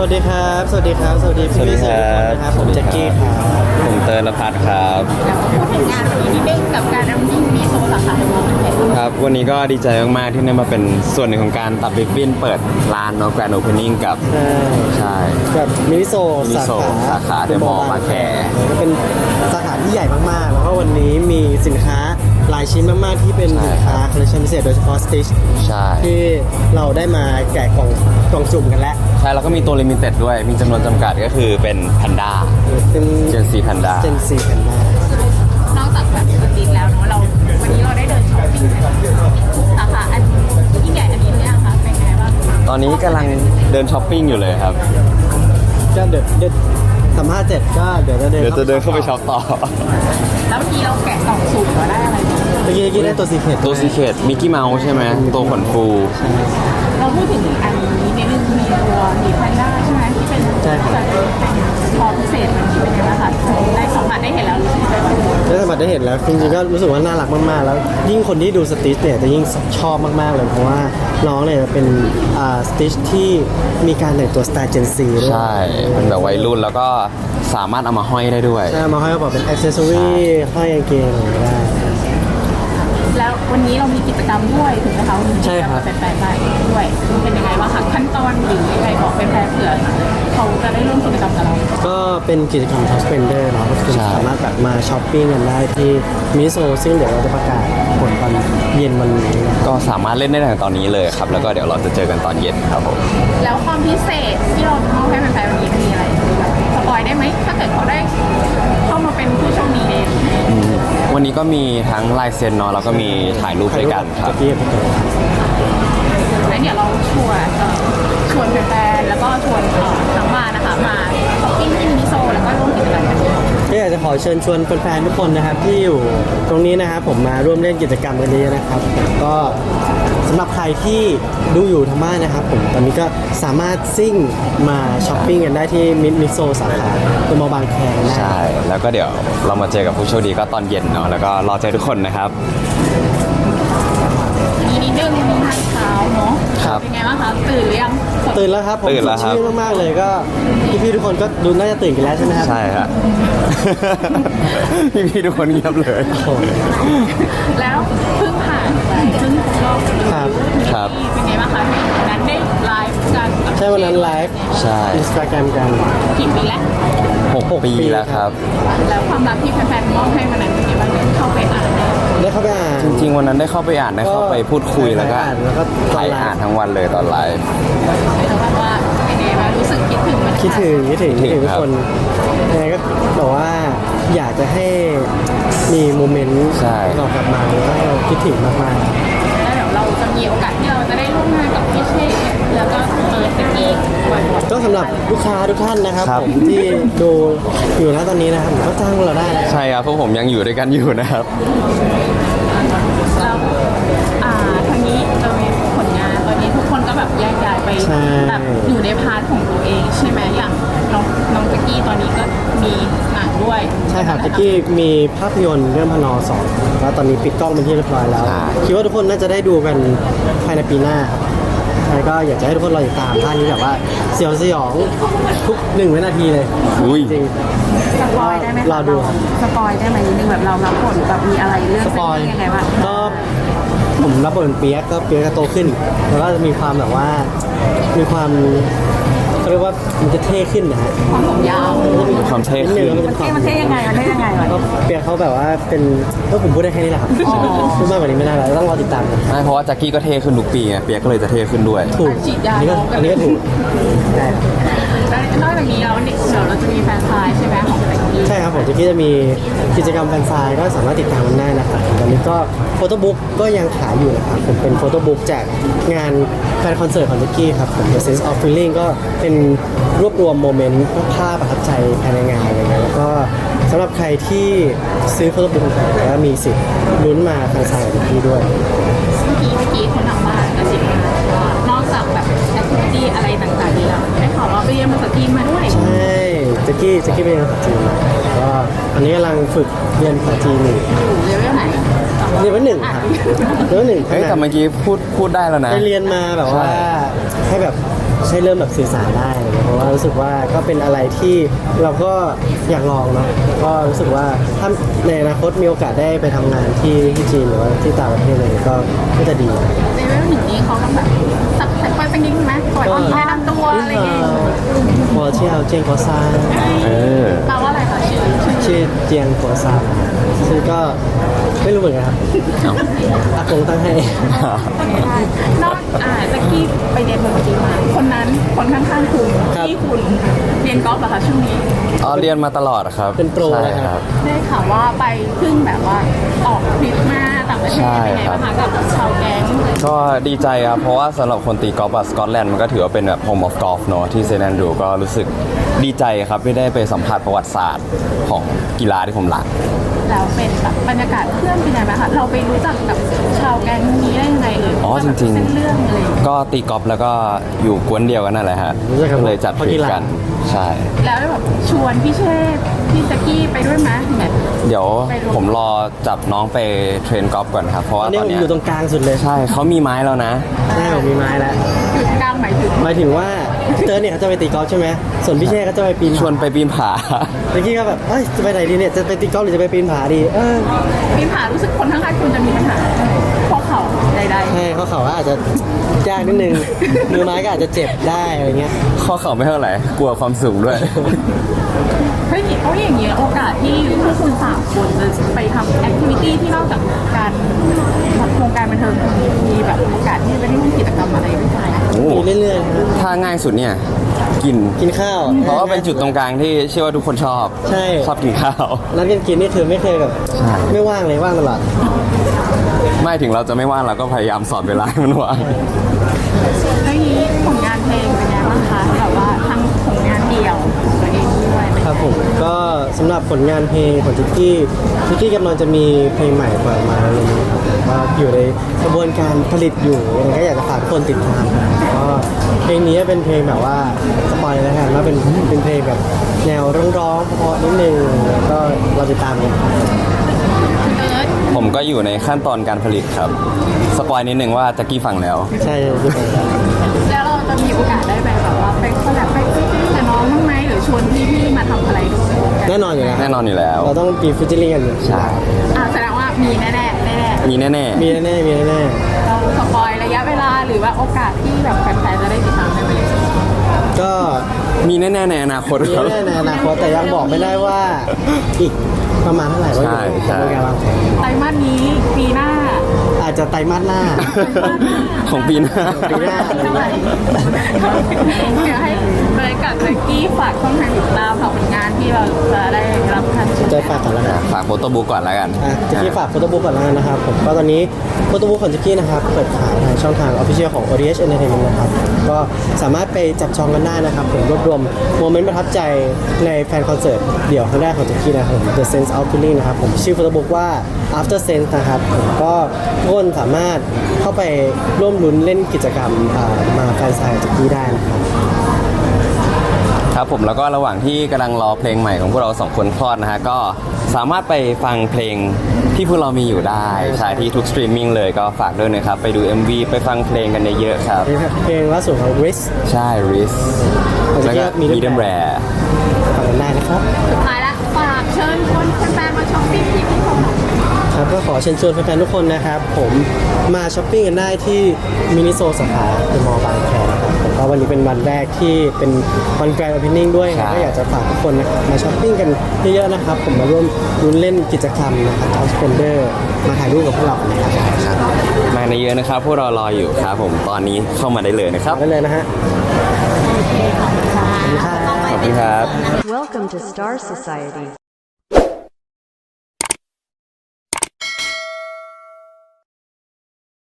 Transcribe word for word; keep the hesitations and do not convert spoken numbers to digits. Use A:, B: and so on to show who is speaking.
A: วัสดีครับสวัสดีครับสวัสดีพี่พี่ๆสื่อทุกคนนะครับผมแจ็คกี้ครับ
B: ผมเติร์นพัฒน์ครับ
C: พูดถึงงานวันนี้นิดนึงกับการรำยิ่งมีโซสาขาในมอเป็นไงบ้าง
B: ครับวันนี้ก็ดีใจมากๆที่ได้มาเป็นส่วนหนึ่งของการตัดริบบิ้นเปิดร้านเนาะแกรนด์โอเพนนิ่งกับ
A: ใช่
B: ใช่
A: กับมินิโซ
B: มินิ
A: สา
B: โซ
A: ขา
B: สาขาเดอะมอลล์บางแค
A: ก็เป็นสาขาที่ใหญ่มากๆ แล้วก็วันนี้มีสินค้าหลายชิ้นมากๆที่เป็นสินค้าคอลเลคชันพิเศษโดยเฉพาะสติช
B: ใช่
A: ที่เราได้มาแกะกล่องกล่องจุ่มกันแล้ว
B: ใช่แล้วก็มีตัวลิมิเต็ดด้วยมีจำนวนจำกัดก็คือเป็นแพนด้า
A: เป็น
B: เจนซีแพนด้า
A: เจนซีกันมาน
C: อกจากแบบสตรีทแล้วเนาะเราวันนี้เราได้เดินช้อปปิ้งสาขาอันยิ่งใหญ่อันนี้เนี่ยค่ะเป็นไงบ้าง
B: ตอนนี้กำลังเดินช้อปปิ้งอยู่เลยครับ
A: ก็เดี๋ยวเดี๋ยวสัมภาษณ์เสร็จก็เดี๋ยวจะเดิน
B: เดี๋ยวจะเดินเข้าไปช็อปต่อ
C: แล้วเมื่อกี้เราแกะกล่องสุ่มเราได้อะไรบ้าง
A: เมื่อกี้เมื่อกี้ได้ตัวซีเคท
B: ตัวซีเคทมิกกี้เมาส์ใช่ไหมตัวขนฟู
C: เราพูดถึงอันนี้ในเรื่องมีตัวมีแพนด้าใช่ไหมที่เป็นแบบพอพิเศษมันเป็นยังไงบ้างคะได้สัมผัสได้เห็นแล้วรู้สึกยังไงบ้าง
A: ได้สัมผัสได้เห็นแล้วจริงๆก็รู้สึกว่าน่ารักมากๆแล้วยิ่งคนที่ดูสติชเนี่ยจะยิ่งชอบมากๆเลยเพราะว่าน้องเนี่ยเป็นอ่าสติชที่มีการแต่งตัวสไตล์เจนซีด้วย
B: ใช่เป็นแบบวัยรุ่นแล้วก็สามารถเอามาห้อยได้ด้วย
A: ใช่มาห้อยกระเป๋าเป็นอ c เซสซอรี่ห้อยกางเกงอะไรได้
C: แล้ววันนี้เรามีกิจกรรมด้วยถูกไหมคะมีกิจกรรมแฟนๆไปด้วยเป็นยังไงบ้างคะขั้นตอนหรือยังไงบอกแฟนๆเผื่อเขาจะได้ร่วมกิจกรรมกับเรา
A: ก็เป็นกิจกรรมท็อปสเปนเดอร์เนาะก็คือ
B: ใช่
A: สามารถแบบมาช้อปปิ้งกันได้ที่มิโซซึ่งเดี๋ยวเราจะประกาศผลตอนเย็นวันนี้นะ
B: ก็สามารถเล่นได้ตั้งแต่ตอนนี้เลยครับ แล้วก็เดี๋ยวเราจะเจอกันตอนเย็นครับผม
C: แล้วความพิเศษที่เรามอบให้แฟนๆวันนี้มีอะไรสปอยได้ไหมถ้าเกิดเขาได้เข้ามาเป็นผู้โชคดีใน
B: วันนี้ก็มีทั้งลายเซ็นเนาะแล้วก็มีถ่ายรูปด้วยกันครับ
A: จะพี่กับพี่เต๋อ
C: แล้วเดี๋ยวเราชวนเอ่อชวนแฟนๆแล้วก็ชวนเอ่อทั้งบ้านนะคะมาช้อปปิ้งที่มินิโซแล้วก็ร่วมกิจกรรมกัน
A: ก็อยากจะขอเชิญชวนแฟนๆทุกคนนะครับที่อยู่ตรงนี้นะครับผมมาร่วมเล่นกิจกรรมกันนี้นะครับก็สำหรับใครที่ดูอยู่ทางบ้านนะครับผมตอนนี้ก็สามารถซิ่งมาช้อปปิ้งกันได้ที่มินิโซสาขาตัวมอบางแคได้
B: ใช่ แล้วก็เดี๋ยวเรามาเจอกับผู้โชคดีก็ตอนเย็นเนาะ แล้วก็รอเจอทุกคนนะครับ
C: มีนิดนึงมีทางเช้าเนาะ
B: ครับ
C: เป็นไงบ้างคะตื่นหรือยัง
A: ตื่นแล้วครับผม
B: ตื่นแล้วครับ
A: สดชื่นมากๆเลยก็พี่ๆทุกคนก็ดูน่าจะตื่นกันแล้วใช่ไหมครับ
B: ใช่ครับ พี่ๆทุกคนเงียบเลย
A: โอ้โห
C: แล้วเพิ่งผ่านไปเพิ่งรอบ
A: ครับ
B: ครับ
C: เป็นไงบ้างคะวันนั้นได้ไลฟ์กัน
A: ใช่วันนั้นไลฟ์
B: ใช่
A: อินสตาแกรมกัน
C: กี่ปีแล้ว
B: หกปีแล้วครับ
C: แล้วความรักที่แฟนๆมอบให้วันนั้นเป็นไงบ้างเข้าไปอ่านได้
A: ได้เข้าไปอ่าน
B: จริงๆวันนั้นได้เข้าไปอ่านได้เข้าไปพูดคุยแล้วก็
A: อ่านแล้วก็
B: ถ่ายอ่านทั้งวันเลยตอนไลฟ์
C: แล้วแบบว่าเป็นไงบ้างรู้สึกคิดถึงมัน
A: คิดถึงคิดถึงคิดถึงทุก
B: ครับ
A: คนยังไงก็บอกว่าอยากจะให้มีโมเมนต์
B: ใช่
A: เรากลับมาแล้วก็เราคิดถึงมาก
C: แล้วเดี๋ยวเราจะมีโอกาสที่เราจะได้ร่วมงานกับพี่เชษแล้วก็เปิดสกีบ่อยๆ
A: ๆก็สำหรับลูกค้าทุกท่านนะครับ
B: ครับ
A: ผมที่ดูอยู่นะตอนนี้นะครับผมก็จ้างเราได้นะ
B: ใช่ครับพวกผมยังอยู่ด้วยกันอยู่นะครับ
C: แล้วอ่าทางนี้เรามีผลงานตอนนี้ทุกคนก็แบบแยกย้ายไป
A: ใช่
C: แบบอยู่ในพาร์ทของตัวเองใช่ไหมอย่างน้องน้องแจ็กกี้ตอนนี้ก็มีหนังด้วย
A: ใช่ครับตะกี้มีภาพยนตร์เรื่องพนอสองแล้วตอนนี้ปิดกล้องเป็นที่เรียบร้อยแล้ว
B: ใช่
A: คิดว่าทุกคนน่าจะได้ดูกันภายในปีหน้าครับใช่ก็อยากจะให้ทุกคนรอติดตามท่านนี้แบบว่าเสียวสยองทุกหนึ่งวินาทีเลย
B: อุ้ย
A: จริง
C: สปอยได้ไหมคะ
A: รอดูครับ
C: สปอยได้ไหมนิดนึงแบบเรารับบทแบบมีอะไรเรื่อง
A: สปอย
C: เส้นยังไงบ้าง
A: ก็ผมรับบทเป็นเปียกก็เปียกก็โตขึ้น แล้วก็มีความแบบว่ามีความเขาเรียกว่ามันจะเท่ขึ้นนะฮะ
C: ความผมยาว
B: ความเท่ขึ้น
A: ดง
C: มันเท่มันเท่ยังไงมันเท่ยังไงวะ
A: ก็เปียกเขาแบบว่าเป็นก็ผมพูดได้แค่นี้แหละครับ
C: อ๋อ
A: พูดมากกว่านี้ไม่ได้แล้วต้องรอติดตามกัน
B: ไม่เพราะว่าแจ็คกี้ก็เท่ขึ้นทุกปีไงเปียกก็เลยจะเท่ขึ้นด้วย
A: ถูก
C: ฉีดยา
A: อันนี้ก็
C: ลงกั
A: อั
C: น
A: นนี้ก็ถูกใช่
C: แล้วนอกจากนี้แล้วเดี๋ยวเราจะมีแฟนซายใช่ไหมของแจ็กกี้
A: ใช่ครับผมจะกี้จะมีกิจกรรมแฟนซายก็สามารถติดตามมันได้นะครับตอนนี้ก็โฟโต้บุ๊กก็ยังขายอยู่นะครับผมเป็นโฟโต้บุ๊กจากงานแฟนคอนเสิร์ตของแจ็กกี้ครับผม The Sense of Feeling ก็เป็นรวบรวมโมเมนต์ภาพประทับใจภายในงานอะไรเงี้ยแล้วก็สำหรับใครที่ซื้อโฟโต้บุ๊กของผมก็มีสิทธิ์ลุ้นมาแฟนซายกับแจ็กกี้ด้วย
C: เมื่อกี้เมื่อกี้คนทางบ้านก็สิบว่านอกจากแบบแอคทิวิตี้อะไรต่างๆนี้แล้วได้ข่าวว่าไปเรียนภาษาจีนมาด้วย
A: ใช่แจ็กกี้แจ็กกี้เป็นภาษาจีนมาก็ตอนนี้กำลังฝึกเรียนภาษาจีนอยู่
C: อยู่เลเวลไหน
A: เรียนวันหนึ่งครับเรียนวันหนึ่ง
B: เฮ้ยแต่เมื่อกี้พูดพูดได้แล้วนะ
A: ไปเรียนมาแบบว่า
B: ใช่
A: ให้แบบใช้เริ่มแบบสื่อสารได้อะไรเงี้ยเพราะว่ารู้สึกว่าก็เป็นอะไรที่เราก็อยากลองเนาะก็รู้สึกว่าถ้าในอนาคตมีโอกาสได้ไปทำงานที่ที่จีนหรือว่าที่ต่างประเทศอะไรเงี้ยก็ก็จะดี
C: ในเรื่องหนึ่งนี้เขาต้องแบบสักสักสักนิดไหมก่อนที่แนะนำตัวอะไรอย่างเงี้ย
A: พอเที่ยวเจียงกัวซาน
B: เออ
C: แปลว่าอะไรคะชื่อชื่อ
A: ชื่อเจียงกัวซานซึ่งก็ไม่รู้เหมือนกันครับ
B: เอ้า
A: อากงตั้งให้
C: นอกอ่าแจ็คกี้ไปเรียนดนตรีมาคนนั้นคนข้างๆคุณ
A: ครับ
C: ที่คุณเรียนกอล์ฟเหรอคะช่วงนี้
B: อ๋อเรียนมาตลอดครับ
A: เป็นโปร
B: ใช่
A: เลยครับ
C: ได้ข่าวว่าไปเพิ่งแบบว่าออกทริปมาต่างประเทศ
B: ใช่
C: เป็นไง
B: ครับ
C: บ้างคะกับชาวแก๊ง
B: ก็ดีใจครับ เพราะว่าสำหรับคนตีกอล์ฟอะสกอตแลนด์มันก็ถือว่าเป็นแบบ home of golf เนอะที่เซนต์แอนดรูว์ก็รู้สึกดีใจครับที่ได้ไปสัมผัสประวัติศาสตร์ของกีฬาที่ผมรัก
C: แล้วเป็นแบบบรรยากาศเพื่อนเป็นไงบ้างคะเราไปรู้จักกับชาวแก๊งนี้ได้ยังไงเอ่ย
B: อ๋อจริงๆ
C: เส้นเรื่องอะไรอย่างเงี้ย
B: ก็ตีกอล์ฟแล้วก็อยู่กวนเดียวกันนั่นแหละฮะ
A: รู้จักกัน
B: เลยจัดทริปกัน ใช่
C: แล้วแบบชวนพี่เชษฐ์พี่แจ็คกี้ไปด้วยไหมเนี่ย
B: เดี๋ยว
C: ไปลง
B: ผมรอจับน้องไปเทรนกอล์ฟก่อนครับ เพราะ
A: ตอ
B: ว่าน
A: นี้
B: ตอ
A: ผ
B: น
A: ม
B: เนี้ย
A: อยู่ตรงกลางสุดเลย
B: ใช่เขามีไม้แล้วนะ
A: ใช่ผมมีไม้แล้ว
C: อยู่กลางหมายถึง
A: หมายถึงว่าพี่เติร์ดเนี่ยเขาจะไปตีกอล์ฟใช่ไหมส่วนพี่เช่ก็จะไปปีนผา
B: ชวนไปปีนผา
A: เมื่อกี้ก็แบบเอ้ยจะไปไหนดีเนี่ย จะไปตีกอล์ฟหรือจะไปปีนผาดี เออ
C: ปีนผารู้สึกคนข้างๆคุณจะมีปัญหาเพราะเขาใด
A: ใช่เขาเขาว่าอาจจะยากนิดนึง มือไม้ก็อาจจะเจ็บได้อะไรเงี้ย
B: ข้อเข่าไม่เท่าไหร่ กลัวความสูงด้วย
C: ๆเฮ้ยเพราะอย่างเงี้ยโอกาสที่พวกคุณสามคนจะไปทำแอคทิวิตี้ที่นอกจากการโครงการบันเทิงมีแบบโอกาสที่จะไปเล่นกิจกรรมอะไรด้วยกัน
B: โอ้
A: มีเรื่อยๆนะ
B: ถ้าง่ายสุดเนี่ย กิน
A: กินข้าว
B: เพราะว่าเป็นจุดตรงกลางที่เชื่อว่าทุกคนชอบ
A: ใช่
B: ชอบกินข้าว
A: นัดกันกินนี่คือไม่เคยแบบ
B: ใช่
A: ไม่ว่างเลยว่างตลอด
B: ไม่ถึงเราจะไม่ว่างเราก็พยายามสอนเวลาให้มันว่าง
C: แล้วนี้ผลงานเพลงเป็นไงบ้างคะแบบว่าทั้งผลงานเดี่ยวของตัวเองด้วย
A: ครับผมก็สำหรับผลงานเพลงของทิกกี้ทิกกี้กำลังจะมีเพลงใหม่ปล่อยออกมาเร็วๆนี้ครับก็อยู่ในกระบวนการผลิตอยู่ยังไงก็อยากจะฝากทุกคนติดตามครับก็เพลงนี้เป็นเพลงแบบว่าสปอยเลยแล้วกันว่าเป็นเป็นเพลงแบบแนวร้องๆเพราะๆนิดนึงแล้วก็เราติดตามกัน
C: เอิร์ธ
B: ผมก็อยู่ในขั้นตอนการผลิตครับ สปอยนิดนึงว่าแจ็กกี้ฟังแล้ว
A: ใช่ใช่
C: แล้วเราจะมีโอกาสได้ไปแบบว่าไปคอลแลบไปฟิชเชอร์กับน้องบ้างไหมหรือชวนพี่ๆมาทำอะไรด้วยกัน
A: แน่นอนอยู่แล้ว
B: แน่นอนอยู่แล้ว
A: เราต้องมีฟิชเชอร์ลิงกันอยู่
B: ใช่
C: อ่าแสดงว่ามีแน่ๆแน่
B: มีแน่
A: มีแน่ๆมีแน่
C: ๆเราสปอยระยะเวลาหรือว่าโอกาสที่แบบแฟนๆจะได้ติดตามได้ไหม
A: ๆก็
B: ๆมีแน่ๆในอนาคต
A: มี
B: ครับ
A: แน่ๆในอนาคตแต่ยังบอกไม่ได้ว่าอีกประมาณเท่าไหร่ว่าอยู่
B: ใช่
A: ในกระบวนการวางแผน
C: ไตรมาสนี้ปีหน้า
A: อาจจะไตรมาสหน้า
B: ของปีหน้า
A: ปีหน้าอะไร
C: เท่าไหร่
A: เงี้ย
C: เดี๋ยวให้เลยกับเบกกี้ฝากช่องทางติดตามฝากผลงานที่เราจะได้รับการชม
A: จะฝากก่อนแล้วกัน
B: ฝากโฟโต้บุ๊กก่อนแล้วกัน
A: อ่ะจิกกี้ฝากโฟโต้บุ๊กก่อนแล้วกันนะครับผมก็ตอนนี้โฟโต้บุ๊กของจิกกี้นะครับเปิดขายทางช่องทางออฟฟิเชียลของ โอ ดี เอช Entertainment นะครับก็สามารถไปจับจองกันได้นะครับผมรวบรวมโมเมนต์ประทับใจในแฟนคอนเสิร์ตเดี่ยวครั้งแรกของจิกกี้นะครับผม The Sense of Feeling นะครับผมชื่อโฟโต้บุ๊กว่า After Sense นะครับผมก็ทุกคนสามารถเข้าไปร่วมลุ้นเล่นกิจกรรมอ่ามาแฟนไซน์จิกกี้ได้นะครับ
B: ครับผมแล้วก็ระหว่างที่กำลังรอเพลงใหม่ของพวกเราสองคนคลอดนะฮะก็สามารถไปฟังเพลงที่พวกเรามีอยู่ได้ใช่ที่ทุกสตรีมมิ่งเลยก็ฝากด้วยนะครับ ไปดู เอ็ม วี ไปฟังเพลงกันเยอะๆครับ
A: เพลงล่าสุดของ Riz
B: ใช่ Riz แล้วก็
A: Medium
B: Medium
A: Rare
B: Rare
A: ฟังกันได้นะครับ
C: สุดท้ายละฝากเชิญชวนแฟนๆมาช้อปปิ้งที่พี่ชม
A: ครับก็ขอเชิญชวนแฟนๆทุกคนนะครับ ผมมาช้อปปิ้งกันได้ที่มินิโซสาขาเดอะมอลล์บางแคนะครับผมก็วันนี้เป็นวันแรกที่เป็นวันแกรนด์โอเพนนิ่งด้วย
B: ใช่
A: ก็อยากจะฝากทุกคนนะครับมาช้อปปิ้งกันเยอะๆนะครับ ผมมาร่วมลุ้นเล่นกิจกรรมนะครับทาวสเปนเดอร์มาถ่ายรูปกับพวกเรานะครับ
B: มาในเยอะนะครับ พวกเรารออยู่ครับผมตอนนี้เข้ามาได้เลยนะครับ
A: ได้เลยนะฮะ
B: ขอบคุณครับ
D: Welcome to Star Society.